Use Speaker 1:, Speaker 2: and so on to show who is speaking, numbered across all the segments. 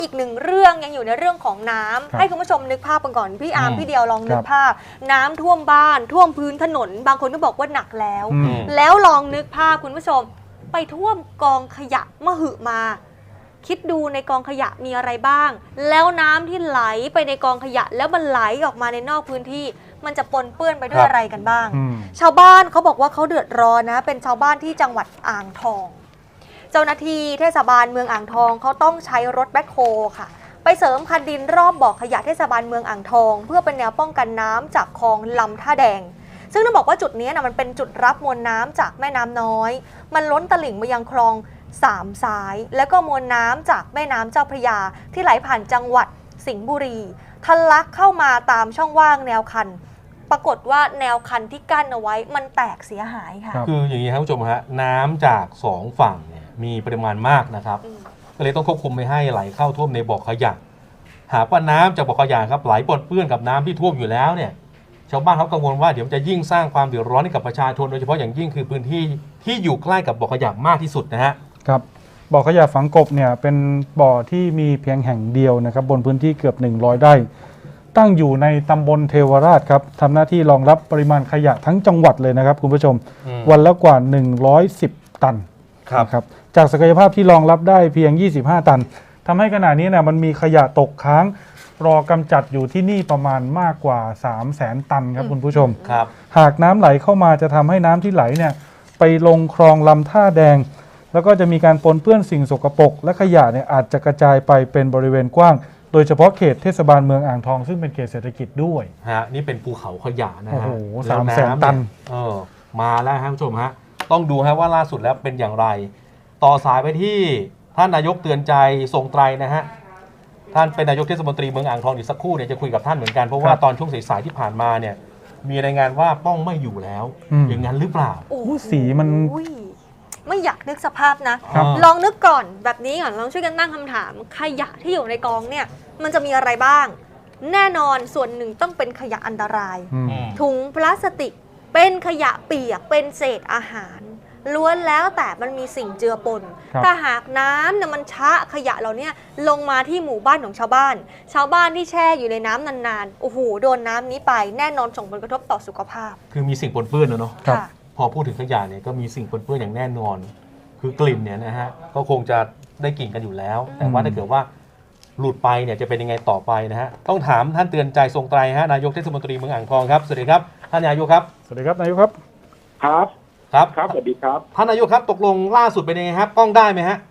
Speaker 1: อีกหนึ่งเรื่องยังอยู่ในเรื่องของน้ำให้คุณผู้ชมนึกภาพกันก่อนพี่อาร์มพี่เดียวลองนึกภาพน้ำท่วมบ้านท่วมพื้นถนนบางคนก็บอกว่าหนักแล้วลองนึกภาพคุณผู้ชมไปท่วมกองขยะมหึมาคิดดูในกองขยะมีอะไรบ้างแล้วน้ำที่ไหลไปในกองขยะแล้วมันไหลออกมาในนอกพื้นที่มันจะปนเปื้อนไปด้วยอะไรกันบ้างชาวบ้านเขาบอกว่าเขาเดือดร้อนนะเป็นชาวบ้านที่จังหวัดอ่างทองเจ้าหน้าที่เทศบาลเมืองอ่างทองเขาต้องใช้รถแบ็คโฮค่ะไปเสริมคันดินรอบบ่อขยะเทศบาลเมืองอ่างทองเพื่อเป็นแนวป้องกันน้ำจากคลองลำท่าแดงซึ่งต้องบอกว่าจุดนี้นะมันเป็นจุดรับมวลน้ำจากแม่น้ำน้อยมันล้นตลิ่งมายังคลองสามสายแล้วก็มวลน้ำจากแม่น้ำเจ้าพระยาที่ไหลผ่านจังหวัดสิงห์บุรีทะลักเข้ามาตามช่องว่างแนวคันปรากฏว่าแนวคันที่กั้นเอาไว้มันแตกเสียหายค่ะ
Speaker 2: คืออย่างนี้ครับผู้ชมฮะน้ำจาก2ฝั่งเนี่ยมีปริมาณมากนะครับก็เลยต้องควบคุมไม่ให้ไหลเข้าท่วมในบ่อขยะหากว่าน้ำจากบ่อขยะครับไหลปนเปื้อนกับน้ำที่ท่วมอยู่แล้วเนี่ยชาวบ้านเขากังวลว่าเดี๋ยวจะยิ่งสร้างความเดือดร้อนให้กับประชาชนโดยเฉพาะอย่างยิ่งคือพื้นที่ที่อยู่ใกล้กับบ่อขยะมากที่สุดนะฮะ
Speaker 3: ครับบ่อขยะฝังกบเนี่ยเป็นบ่อที่มีเพียงแห่งเดียวนะครับบนพื้นที่เกือบ100 ไร่ตั้งอยู่ในตำบลเทวราชครับทำหน้าที่รองรับปริมาณขยะทั้งจังหวัดเลยนะครับคุณผู้ชมวันละกว่า110 ตันครับจากศักยภาพที่รองรับได้เพียง25 ตันทำให้ขณะนี้เนี่ยมันมีขยะตกค้างรอกำจัดอยู่ที่นี่ประมาณมากกว่า 300,000 ตันครับคุณผู้ชม
Speaker 2: ครับ
Speaker 3: หากน้ำไหลเข้ามาจะทำให้น้ำที่ไหลเนี่ยไปลงคลองลำท่าแดงแล้วก็จะมีการปนเปื้อนสิ่งสกปรกและขยะเนี่ยอาจจะกระจายไปเป็นบริเวณกว้างโดยเฉพาะเขตเทศบาลเมืองอ่างทองซึ่งเป็นเขตเศรษฐกิจด้วย
Speaker 2: ฮะนี่เป็นภูเขาขยะนะฮะ
Speaker 3: โอ้โห300,000 ตัน
Speaker 2: มาแล้วครับผู้ชมฮะต้องดูฮะว่าล่าสุดแล้วเป็นอย่างไรต่อสายไปที่ท่านนายกเตือนใจทรงไตรนะฮะท่านเป็นนายกเทศมนตรีเมืองอ่างทองอีกสักครู่เนี่ยจะคุยกับท่านเหมือนกันเพราะว่าตอนช่วงสายๆที่ผ่านมาเนี่ยมีรายงานว่าป้องไม่อยู่แล้วอย่างนั้นหรือเปล่า
Speaker 3: โอ้สีมัน
Speaker 1: ไม่อยากนึกสภาพนะลองนึกก่อนแบบนี้ก่อนลองช่วยกันตั้งคำถามขยะที่อยู่ในกองเนี่ยมันจะมีอะไรบ้างแน่นอนส่วนหนึ่งต้องเป็นขยะอันตรายถุงพลาสติกเป็นขยะเปียกเป็นเศษอาหารล้วนแล้วแต่มันมีสิ่งเจือปนถ้าหากน้ำเนี่ยมันชะขยะเราเนี่ยลงมาที่หมู่บ้านของชาวบ้านที่แช่อยู่ในน้ำนานๆโอ้โหโดนน้ำนี้ไปแน่นอนส่งผลกระทบต่อสุขภาพ
Speaker 2: คือมีสิ่งปนเปื้อนเนาะพอพูดถึงขยะเนี่ยก็มีสิ่งปนเปื้อนอย่างแน่นอนคือกลิ่นเนี่ยนะฮะก็คงจะได้กลิ่นกันอยู่แล้วแต่ว่าถ้าเกิดว่าหลุดไปเนี่ยจะเป็นยังไงต่อไปนะฮะต้องถามท่านเตือนใจทรงไตรฮะนายกเทศมนตรีเมืองอ่างทองครับสวัสดีครับท่านนายกครับ
Speaker 3: สวัสดีครับนายกครับ
Speaker 2: ครับ
Speaker 4: สวัสดีครับ
Speaker 2: ท่านนายกครับตกลงล่าสุดเป็นยังไงครับป้องได้ไหมฮะ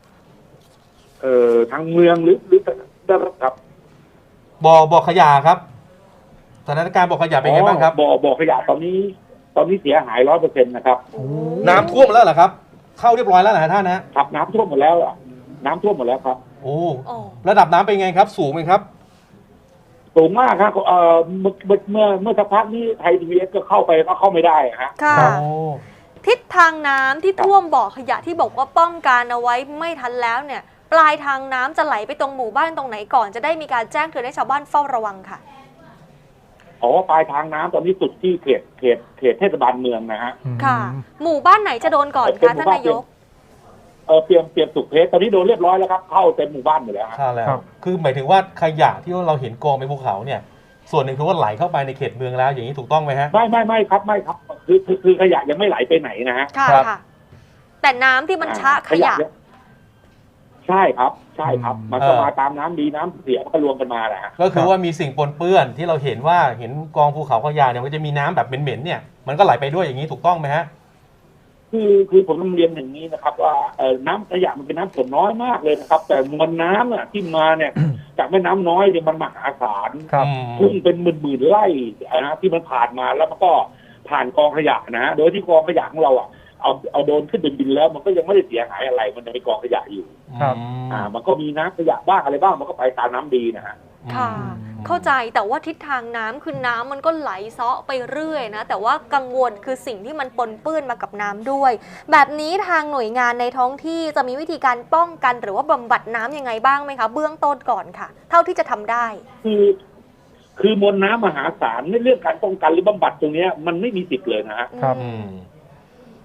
Speaker 4: ทางเมืองหรือได้ครับ
Speaker 2: บ่อขยะครับสถานการณ์บ่อขยะเป็นไงบ้างครับ
Speaker 4: บ่อขยะตอนนี้เสียหาย 100% นะครับ
Speaker 2: น้ำท่วมแล้วเหรอครับเข้าเรียบร้อยแล้วเหรอท่าน
Speaker 4: นะครับน้ำท่วมหมดแล้วน้ำท่วมหมดแล้วครับ
Speaker 2: โอ้ระดับน้ำเป็นไงครับสูงไหมครับ
Speaker 4: สูงมากครับเมื่อสักพักนี้ไทยทีวีเอสก็เข้าไปก็เข้าไม่ได้ฮะ
Speaker 1: ค่ะทิศทางน้ำที่ท่วมบ่อขยะที่บอกว่าป้องกันเอาไว้ไม่ทันแล้วเนี่ยปลายทางน้ำจะไหลไปตรงหมู่บ้านตรงไหนก่อนจะได้มีการแจ้งเตือนให้ชาวบ้านเฝ้าระวังค่ะ
Speaker 4: ปลายทางน้ำตอนนี้สุดที่เขตเทศบาลเมืองนะฮะ
Speaker 1: ค่ะหมู่บ้านไหนจะโดนก่อนคะท่านนายก
Speaker 4: เปรียมสุขเพชรตอนนี้โดนเรียบร้อยแล้วครับเข้าเต็มหมู่บ้านหมดแล้ว
Speaker 2: ใช่แล้วคือหมายถึงว่าขยะที่เราเห็นกองในภูเขาเนี่ยส่วนหนึ่งคือว่าไหลเข้าไปในเขตเมืองแล้วอย่างนี้ถูกต้องไหมฮะ
Speaker 4: ไม่ครับคือขยะยังไม่ไหลไปไหนนะฮะ
Speaker 1: ค่ะแต่น้ำที่มันชะขยะ
Speaker 4: ใช่ครับมันก็มาตามน้ำดีน้ำเสียก็รวมกันมาแหละ
Speaker 2: ก็คือว่ามีสิ่งปนเปื้อนที่เราเห็นว่าเห็นกองภูเขาขยะเนี่ยมันจะมีน้ำแบบเหม็นๆเนี่ยมันก็ไหลไปด้วยอย่างนี้ถูกต้องไหมฮะ
Speaker 4: คือผมต้องเรียนอย่างนี้นะครับว่าน้ำขยะมันเป็นน้ำส่วนน้อยมากเลยนะครับแต่มวลน้ำที่มาเนี่ยจากแม่น้ำน้อยเนี่ยมันมหาศาลพุ่งเป็นหมื่นไร่นะที่มันผ่านมาแล้วมันก็ผ่านกองขยะนะโดยที่กองขยะของเราเอาโดนขึ้นเป็นบินแล้วมันก็ยังไม่ได้เสียหายอะไรมันยังมีกองขยะอยู่มันก็มีน้ำขยะบ้างอะไรบ้างมันก็ไปตามน้ำดีนะฮะ
Speaker 1: ค่ะเข้าใจแต่ว่าทิศทางน้ำคือน้ำมันก็ไหลเซาะไปเรื่อยนะแต่ว่ากังวลคือสิ่งที่มันปนเปื้อนมากับน้ำด้วยแบบนี้ทางหน่วยงานในท้องที่จะมีวิธีการป้องกันหรือว่าบำบัดน้ำยังไงบ้างไหมคะเบื้องต้นก่อนค่ะเท่าที่จะทำได้
Speaker 4: คือมวลน้ำมหาศาลในเรื่องการป้องกันหรือบำบัดตรงนี้มันไม่มีสิทธิ์เลยนะฮะ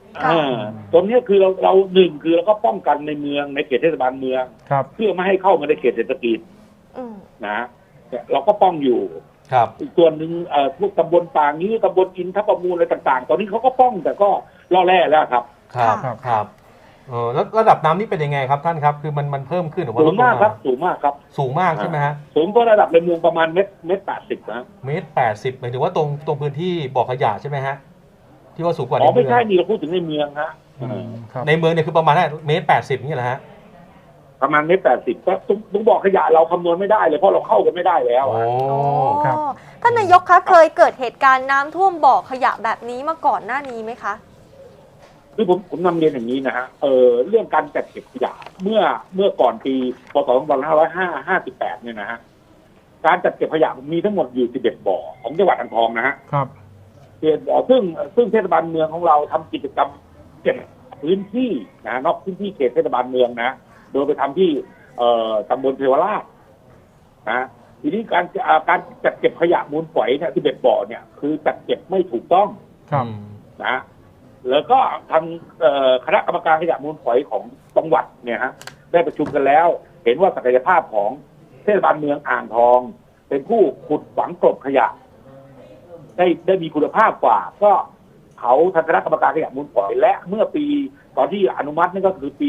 Speaker 4: ตรงนี้คือเราหนึ่งคือเราก็ป้องกันในเมืองในเขตเทศบาลเมืองเพื่อไม่ให้เข้ามาในเขตเศรษฐกิจนะเราก็ป้องอยู่อีกส่วนหนึ่งพวกตำบลป่างี้ตำบลอินทประมูลอะไรต่างๆตอนนี้เขาก็ป้องแต่ก็ล่อแร่แล้วครับ
Speaker 2: แล้วระดับน้ำนี่เป็นยังไงครับท่านครับคือมันเพิ่มขึ้นหรือว่า
Speaker 4: สูงมากครับสูงมากครับ
Speaker 2: สูงมากใช่ไหมฮะ
Speaker 4: สูงก็ระดับในเมืองประมาณเมตร80นะ
Speaker 2: 1.80 หมายถึงว่าตรงพื้นที่บ่อขยะใช่ไหมฮะที่ว่าสูงกว่าใน
Speaker 4: เมือง
Speaker 2: ไม่
Speaker 4: ใช่นี่เราพูดถึงในเมืองฮะ
Speaker 2: ในเมืองเนี่ยคือประมาณ1.80 นี่แหละฮะ
Speaker 4: ประมาณ1.80ก็ต้องบอกขยะเราคำนวณไม่ได้เลยเพราะเราเข้ากันไม่ได้แล้ว
Speaker 1: ครับท่านนายกคะเคยเกิดเหตุการณ์น้ำท่วมบ่อขยะแบบนี้มาก่อนหน้านี้ไหมคะ
Speaker 4: คือผมนำเรียนอย่างนี้นะฮะเรื่องการจัดเก็บขยะเมื่อก่อนปีพศ2558เนี่ยนะฮะการจัดเก็บขยะมีทั้งหมดอยู่11บ่อของจังหวัดอ่างทองนะฮะ
Speaker 3: ครับ
Speaker 4: 11บ่อซึ่งเทศบาลเมืองของเราทำกิจกรรมเก็บพื้นที่นะนอกพื้นที่เขตเทศบาลเมืองนะโดยไปทำที่ตำบลเทวราชนะทีนี้การจัดเก็บขยะมูลฝอยเนี่ย11บ่อเนี่ยคือจัดเก็บไม่ถูกต้องนะแล้วก็ทางคณะกรรมการขยะมูลฝอยของจังหวัดเนี่ยฮะได้ประชุมกันแล้วเห็นว่าศักยภาพของเทศบาลเมืองอ่างทองเป็นผู้ขุดฝังกลบขยะได้มีคุณภาพกว่าก็เขาทางคณะกรรมการขยะมูลฝอยและเมื่อปีตอนที่อนุมัตินั่นก็คือปี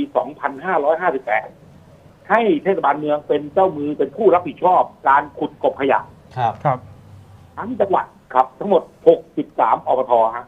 Speaker 4: 2558 ให้เทศบาลเมืองเป็นเจ้ามือเป็นผู้รับผิดชอบการขุดกลบขยะ
Speaker 3: ครับ
Speaker 4: ทั้งจังหวัดครับทั้งหมด63อบตฮะ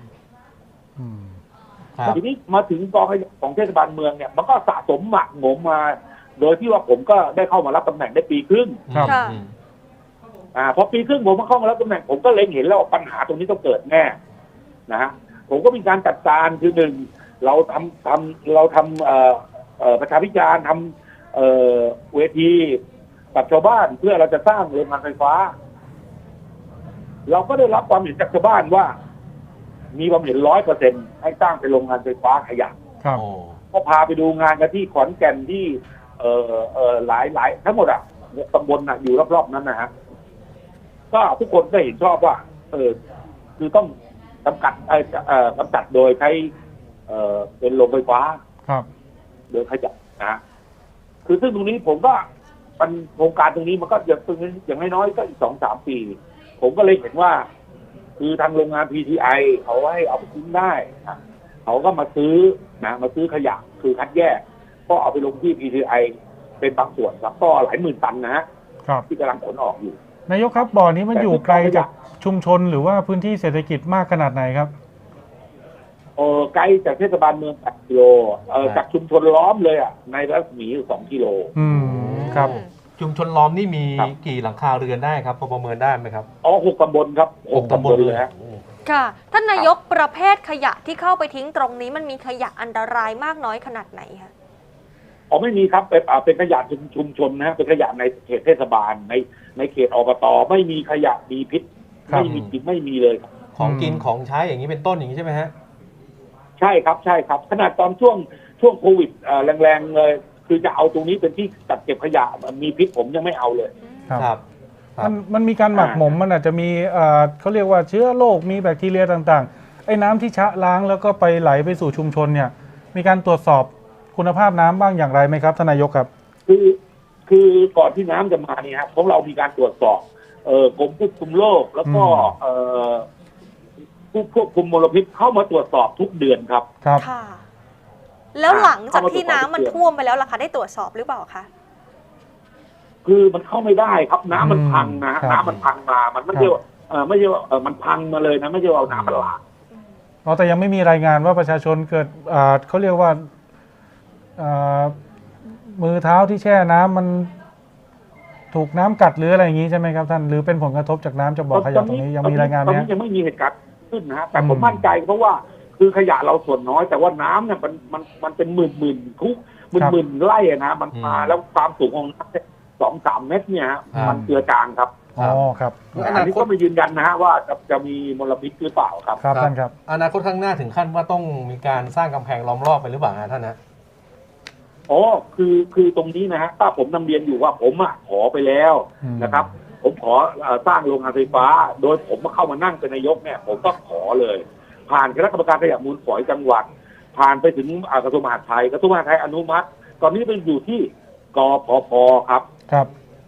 Speaker 4: ทีนี้มาถึงกองขยะของเทศบาลเมืองเนี่ยมันก็สะสมหมักหมมมาโดยที่ว่าผมก็ได้เข้ามารับตำแหน่งได้ปีครึ่งพอปีครึ่งผมมาเข้ามารับตำแหน่งผมก็เล็งเห็นแล้วปัญหาตรงนี้ต้องเกิดแน่นะฮะผมก็มีการจัดการคือหนึ่งเราทำประชาพิจารณ์ทำเวทีกับชาวบ้านเพื่อเราจะสร้างโรงงานไฟฟ้าเราก็ได้รับความเห็นจากชาวบ้านว่ามีความเห็น 100% ให้สร้างเป็นโรงงานไฟฟ้าขยะก็พาไปดูงานกันที่ขอนแก่นที่หลายทั้งหมดอ่ะตำบลอยู่รอบๆนั้นนะฮะก็ทุกคนได้เห็นชอบว่าคือต้องกำจัดโดยใช้เป็นโรงไฟฟ้าโดยขยะนะคือซึ่งตรงนี้ผมก็มันโครงการตรงนี้มันก็อย่างน้อยๆก็อีก 2-3 ปีผมก็เลยเห็นว่าคือทางโรงงาน PTI เขาให้เอาไปทิ้งได้เขาก็มาซื้อขยะคือคัดแยกก็เอาไปลงที่ PTI เป็นบางส่วนครับก็หลายหมื่นตันนะฮะที่กำลังขนออกอยู่
Speaker 3: นายกครับบ่อนี้มันอยู่ไกลจากชุมชนหรือว่าพื้นที่เศรษฐกิจมากขนาดไหนครับ
Speaker 4: ไกลจากเทศบาลเมือง8 กิโลจากชุมชนล้อมเลยอ่ะในรัศมี2 กิโล
Speaker 3: ครับ
Speaker 2: ชุมชนล้อมนี่มีกี่หลังคาเรือนได้ครับพอประเมินได้ไหมครับ
Speaker 4: 6 ตำบลครับ6 ตำบลเลยฮะ
Speaker 1: ค่ะท่านนายกประเภทขยะที่เข้าไปทิ้งตรงนี้มันมีขยะอันตรายมากน้อยขนาดไหนคะ
Speaker 4: ไม่มีครับเป็นขยะชุมชนนะเป็นขยะในเขตเทศบาลในเขตอบตไม่มีขยะมีพิษไม่มีเลย
Speaker 2: ของกินของใช้อย่างนี้เป็นต้นอย่างนี้ใช่ไหมฮะ
Speaker 4: ใช่ครับขนาดตอนช่วงโควิดแรงๆเลยคือจะเอาตรงนี้เป็นที่จัดเก็บขยะมีพิษผมยังไม่เอาเลย
Speaker 3: ครับมันมีการหมักหมมมันอาจจะมีเขาเรียกว่าเชื้อโรคมีแบคทีเรียต่างๆไอ้น้ำที่ชะล้างแล้วก็ไปไหลไปสู่ชุมชนเนี่ยมีการตรวจสอบคุณภาพน้ำบ้างอย่างไรไหมครับท่านนายกครับ
Speaker 4: คือก่อนที่น้ำจะมาเนี่ยครับของเรามีการตรวจสอบกรมควบคุมโรคแล้วก็ผู้ควบคุมมลพิษเข้ามาตรวจสอบทุกเดือนครับ
Speaker 1: ค่ะแล้วหลังจากที่น้ำมันท่วมไปแล้วล่ะคะได้ตรวจสอบหรือเปล่าคะ
Speaker 4: คือมันเข้าไม่ได้ครับน้ำมันพังนะน้ำมันพังมามันไม่ใช่ว่ามันพังมาเลยนะไม่ใช่เอาน้ำมันหลาก
Speaker 3: แต่ยังไม่มีรายงานว่าประชาชนเกิดเขาเรียกว่ามือเท้าที่แช่น้ำมันถูกน้ำกัดหรืออะไรอย่างนี้ใช่ไหมครับท่านหรือเป็นผลกระทบจากน้ำจากบ่อขยะตรงนี้ยังมีรายงานไหม
Speaker 4: ยังไม่มีเหตุการณ์ขึ้นนะฮะแต่ผมมั่นใจเพราะว่าคือขยะเราส่วนน้อยแต่ว่าน้ำเนี่ยมันเป็นหมื่นทุกหมื่นไร่นะมันมาแล้วความสูงของน้ำ2-3 เมตรเนี่ยมันเจือจางครับ
Speaker 3: ครับ
Speaker 4: อันนี้ก็ไม่ยืนยันนะฮะว่าจะมีมลพิษหรือเปล่าครับ
Speaker 3: ครับท่านครับ
Speaker 2: อนาคตข้างหน้าถึงขั้นว่าต้องมีการสร้างกำแพงล้อมรอบไปหรือเปล่าท่านนะ
Speaker 4: คือตรงนี้นะฮะถ้าผมนำเรียนอยู่ว่าผมขอไปแล้วนะครับผมขอสร้างโรงงานไฟฟ้าโดยผมมาเข้ามานั่งเป็นนายกเนี่ยผมก็ขอเลยผ่านคณะกรรมการขยะมูลฝอยจังหวัด ผ่านไปถึงกระทรวงมหาดไทยกระทรวงมหาดไทยอนุมัติ ตอนนี้เป็นอยู่ที่กพพครับ
Speaker 3: ครับ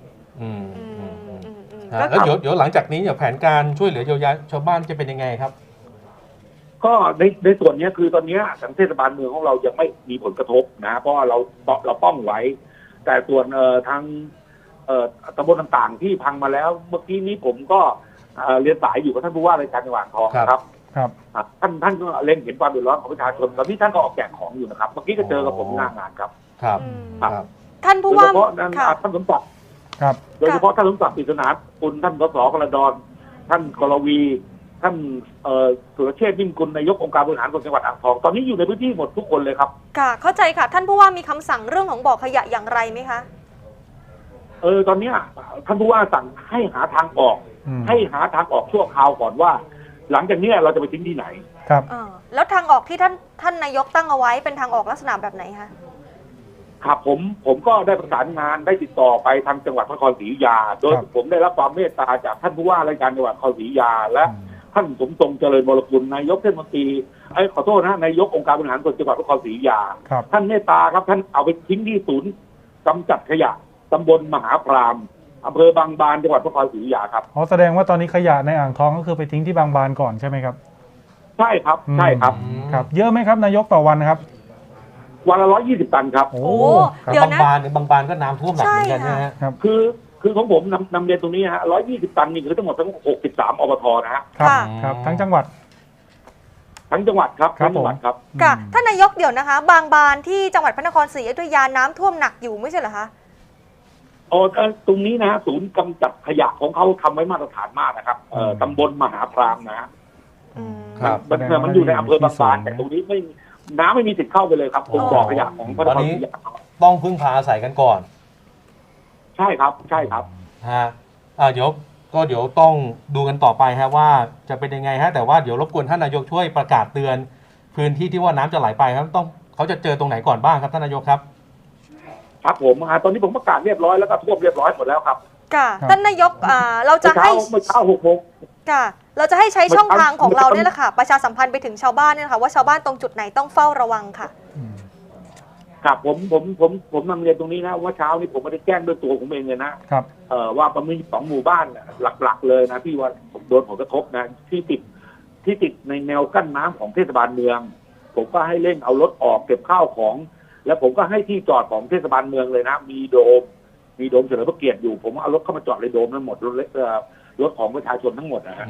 Speaker 2: แล้วเดี๋ยวหลังจากนี้แผนการช่วยเหลือเยียวยาชาวบ้านจะเป็นยังไงครับ
Speaker 4: ก็ในส่วนนี้คือตอนนี้ทางเทศบาลเมืองของเรายังไม่มีผลกระทบนะเพราะว่าเราป้องไว้ แต่ส่วนทางตำบลต่างๆที่พังมาแล้วเมื่อกี้นี้ผมก็เรียนสายอยู่กับท่านผู้ว่าราชการจังหวัดอ่างทองครับ
Speaker 3: ครับ
Speaker 4: ท่านก็เล็งเห็นความเดือดร้อนของประชาชนตอนนี้ท่านก็ออกแจกของอยู่นะครับเมื่อกี้ก็เจอกับผมหน้างานครับ
Speaker 2: ครับ
Speaker 4: ครับ
Speaker 1: ท่าน
Speaker 4: โด
Speaker 1: ผู้
Speaker 4: ย
Speaker 1: ว่า
Speaker 4: เฉพาะท่านสมศักดิ์
Speaker 3: ครับ
Speaker 4: โดยเฉพาะท่านสมศักดิ์ปริศนาคุณท่านสสกระดอนท่านกรวี ท่านสุรเชษฐ์นิ่มกุลนายกองค์การบริหารส่วนจังหวัดอ่างทองตอนนี้อยู่ในพื้นที่หมดทุกคนเลยครับ
Speaker 1: ค่ะเข้าใจค่ะท่านผู้ว่ามีคำสั่งเรื่องของบ่อขยะอย่างไรไหมคะ
Speaker 4: ตอนนี้ท่านผู้ว่าสั่งให้หาทางออก ให้หาทางออกชั่วคราวก่อนว่า หลังจากนี้เราจะไปทิ้งที่ไหน
Speaker 3: ครับ
Speaker 1: แล้วทางออกที่ท่านนายกตั้งเอาไว้เป็นทางออกลักษณะแบบไหนคะ
Speaker 4: ครับผมก็ได้ประสานงานได้ติดต่อไปทางจังหวัดพระนครศรีอยุธยา โดยผมได้รับความเมตตาจากท่านผู้ว่าราชการจังหวัดพระนครศรีอยุธยาและท่านสมทรงเจริญวรกุลนายกเทศมนตรีขอโทษนะนายกองค์การบริหารส่วนจังหวัดพระนครศรีอยุธยา
Speaker 3: ครับ
Speaker 4: ท่านเมตตาครับท่านเอาไปทิ้งที่ศูนย์กำจัดขยะตำบลมหาพรามอำเภอบางบานจังหวัดพระนครศรีอยุธยาครับ
Speaker 3: แสดงว่าตอนนี้ขยะในอ่างทองก็คือไปทิ้งที่บางบานก่อนใช่ไหมครับ
Speaker 4: ใช่ครับใช่ครับ
Speaker 3: ครับ เยอะไหมครับนายกต่อวันนะครับ
Speaker 4: วันละ120 ตันครับ
Speaker 3: โอ้
Speaker 1: เดี๋ยว
Speaker 2: บาง
Speaker 1: นะ
Speaker 2: บานก็น้ำท่วมหนักเหมือนกันนะฮะ
Speaker 3: ครับ
Speaker 4: คือของผมนำเรียนตรงนี้ฮะ120 ตันนี่คือทั้งหมดทั้ง63อบทนะฮะ
Speaker 3: ครับ
Speaker 1: ค่ะ
Speaker 3: ครับทั้งจังหวัด
Speaker 4: ทั้งจังหวัดครับทั้งจังหวัดครับ
Speaker 1: ค่ะท่านนายกเดี๋ยวนะคะ บางบานที่จังหวัดพระนครศรีอยุธยาน้ำท่วมหนักอยู่ไม่ใช่เหรอคะ
Speaker 4: ตรงนี้นะศูนย์กำจัดขยะของเขาทำไว้มาตรฐานมากนะครับตำบลมหาพรามนะฮะ
Speaker 2: ครับ
Speaker 4: มันอยู่ในอำเภอบางบานแต่ตรงนี้น้ำไม่มีสิทธิ์เข้าไปเลยครับตรงบ่อขยะของพระนครศรีอยุธยา
Speaker 2: ต้องพึ่งพาอาศัยกันก่อน
Speaker 4: ใช่ครับใช่ครับ
Speaker 2: ฮะเดี๋ยวต้องดูกันต่อไปฮะว่าจะเป็นยังไงฮะแต่ว่าเดี๋ยวรบกวนท่านนายกช่วยประกาศเตือนพื้นที่ที่ว่าน้ำจะไหลไปครับเขาจะเจอตรงไหนก่อนบ้างครับท่านนายกครับ
Speaker 4: ครับผมตอนนี้ผมประกาศเรียบร้อยแล้วก็ท่วมเรียบร้อยหมดแล้วครับ
Speaker 1: ค่ะท่านนายกเราจะให้
Speaker 4: เมื่อเช้า6 โมง
Speaker 1: ค่ะเราจะให้ใช้ช่องทางของเราเนี่ยแหละค่ะประชาสัมพันธ์ไปถึงชาวบ้านเนี่ยนะคะว่าชาวบ้านตรงจุดไหนต้องเฝ้าระวังค่ะ
Speaker 4: ครับผมนำเรียนตรงนี้นะว่าเช้านี้ผมไม่ได้แจ้งด้วยตัวผมเองเลยนะครับ ว่าประมาณ2 หมู่บ้านหลักๆเลยนะที่ว่าโดนผลกระทบนะที่ติดในแนวกั้นน้ำของเทศบาลเมือง ผมก็ให้เร่งเอารถออกเก็บข้าวของ แล้วผมก็ให้ที่จอดของเทศบาลเมืองเลยนะมีโดมเฉลิมพระเกียรติอยู่ผมเอารถเข้ามาจอดในโดมทั้งหมดรถของประชาชนทั้งหมดนะฮะ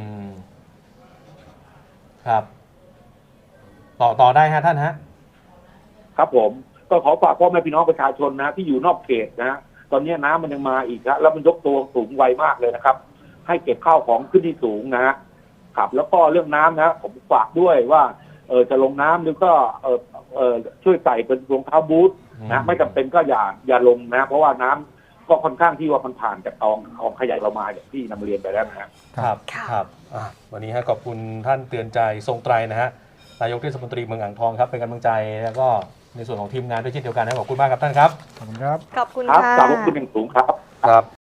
Speaker 2: ครับต่อได้ฮะท่านฮะ
Speaker 4: ครับผมก็ขอฝากพ่อแม่พี่น้องประชาชนนะที่อยู่นอกเขตนะตอนนี้น้ำมันยังมาอีกแล้วมันยกตัวสูงไวมากเลยนะครับ ให้เก็บข้าวของขึ้นที่สูงนะครับแล้วก็เรื่องน้ำนะผมฝากด้วยว่าจะลงน้ำหรือก็ช่วยใส่เป็นรองเท้าบูทนะไม่จำเป็นก็อย่าลงนะเพราะว่าน้ำก็ค่อนข้างที่ว่ามันผ่านจากของขยายเรามาอย่างที่นำเรียนไปแล้วนะครับ
Speaker 2: ครับวันนี้ขอบคุณท่านเตือนใจทรงไตรนะฮะนายกเทศมนตรีเมืองอ่างทองครับเป็นกำลังใจแล้วก็ในส่วนของทีมงานด้วยเช่นเดียวกันนะขอบคุณมากครับท่านครับ
Speaker 3: ขอบคุณครับ
Speaker 1: ขอบคุณ
Speaker 4: ครับ
Speaker 1: ค่ะ
Speaker 4: ขอบคุณอย่างสูงครับ
Speaker 2: ครับ